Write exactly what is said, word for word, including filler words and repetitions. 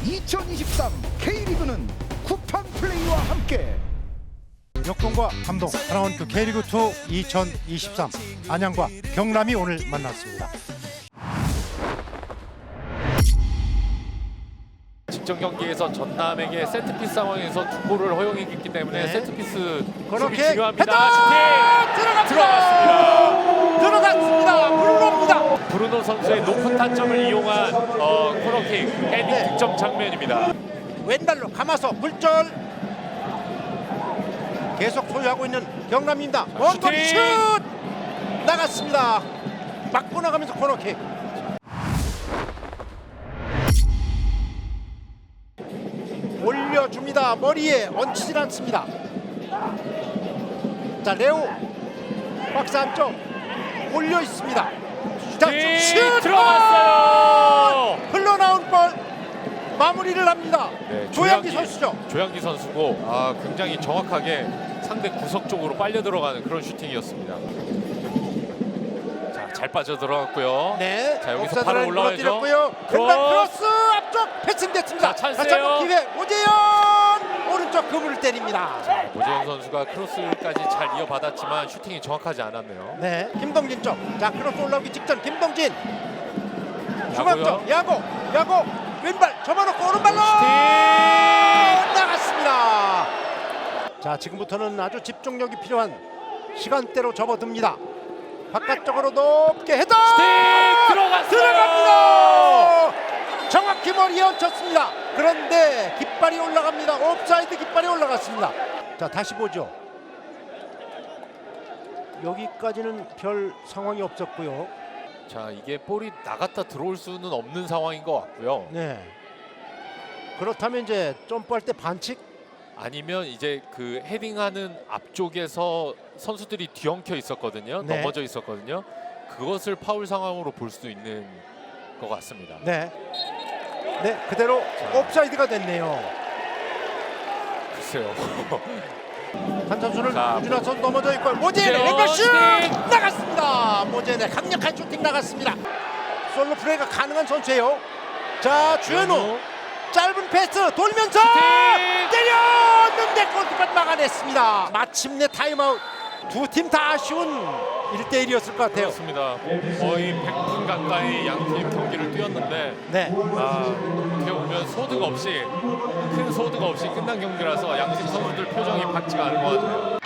이천이십삼 K리그는 쿠팡 플레이와 함께 역동과 감동 하나원큐 K리그 이 이천이십삼 안양과 경남이 오늘 만났습니다. 직전 경기에서 전남에게 세트피스 상황에서 두 골을 허용했기 때문에 네. 세트피스 그렇게 수비 중요합니다. 헤더! 슈팅 들어갔습니다. 들어갔습니다. 들어갔습니다. 브루노입니다. 브루노 선수의 높은 타점을 이용한 어, 코너킥 헤딩 네. 득점 장면입니다. 왼발로 감아서 굴절 계속 소유하고 있는 경남입니다. 원거리 슛 나갔습니다. 맞고 나가면서 코너킥. 올려줍니다. 머리에 얹히질 않습니다. 자, 레오 박스 안쪽 올려 있습니다. 자, 네, 슛 들어갔어요. 흘러나온 볼 마무리를 합니다. 네, 조양기 선수죠. 조양기 선수고 아, 굉장히 정확하게 상대 구석 쪽으로 빨려 들어가는 그런 슈팅이었습니다. 자, 잘 빠져 들어갔고요. 네. 자, 여기서 옵사이드를 바로 올라가야죠. 무너뜨렸고요. 크로스. 왼발 크로스 앞쪽 패스됐습니다. 자, 찬스예요. 다시 한번 기회. 오재현 오른쪽 그물을 때립니다. 오재현 선수가 크로스까지 잘 이어받았지만 슈팅이 정확하지 않았네요. 네. 김동진 쪽. 자, 크로스 올라오기 직전 김동진. 중앙 쪽 야고 야고 왼발 접어놓고 오른발로 슈팅! 나갔습니다. 자, 지금부터는 아주 집중력이 필요한 시간대로 접어듭니다. 바깥쪽으로 높게 헤더 슈팅! 들어갔어요. 들어갑니다. 정확히 머리에 얹혔습니다. 그런데 깃발이 올라갑니다. 옵사이드 깃발이 올라갔습니다. 자, 다시 보죠. 여기까지는 별 상황이 없었고요. 자, 이게 볼이 나갔다 들어올 수는 없는 상황인 것 같고요. 네. 그렇다면 이제 점프할 때 반칙? 아니면 이제 그 헤딩하는 앞쪽에서 선수들이 뒤엉켜 있었거든요. 네. 넘어져 있었거든요. 그것을 파울 상황으로 볼 수 있는 것 같습니다. 네. 네, 그대로 자. 옵사이드가 됐네요. 글쎄요. 한 선수는 자, 우준하 선수 넘어져 있고 모제네 그렇죠. 왼발 슛 슈팅! 나갔습니다. 모제네 강력한 슈팅 나갔습니다. 솔로 플레이가 가능한 선수예요. 자, 주현우 짧은 패스 돌면서 슈팅! 때렸는데 골키퍼 막아냈습니다. 마침내 타임아웃. 두 팀 다 아쉬운 일 대 일이었을 것 같아요. 그렇습니다. 거의 백 분 가까이 양팀 경기를 뛰었는데 네. 아, 어떻게 보면 소득 없이 큰 소득 없이 끝난 경기라서 양팀 선수들 표정이 밝지가 않은 것 같아요.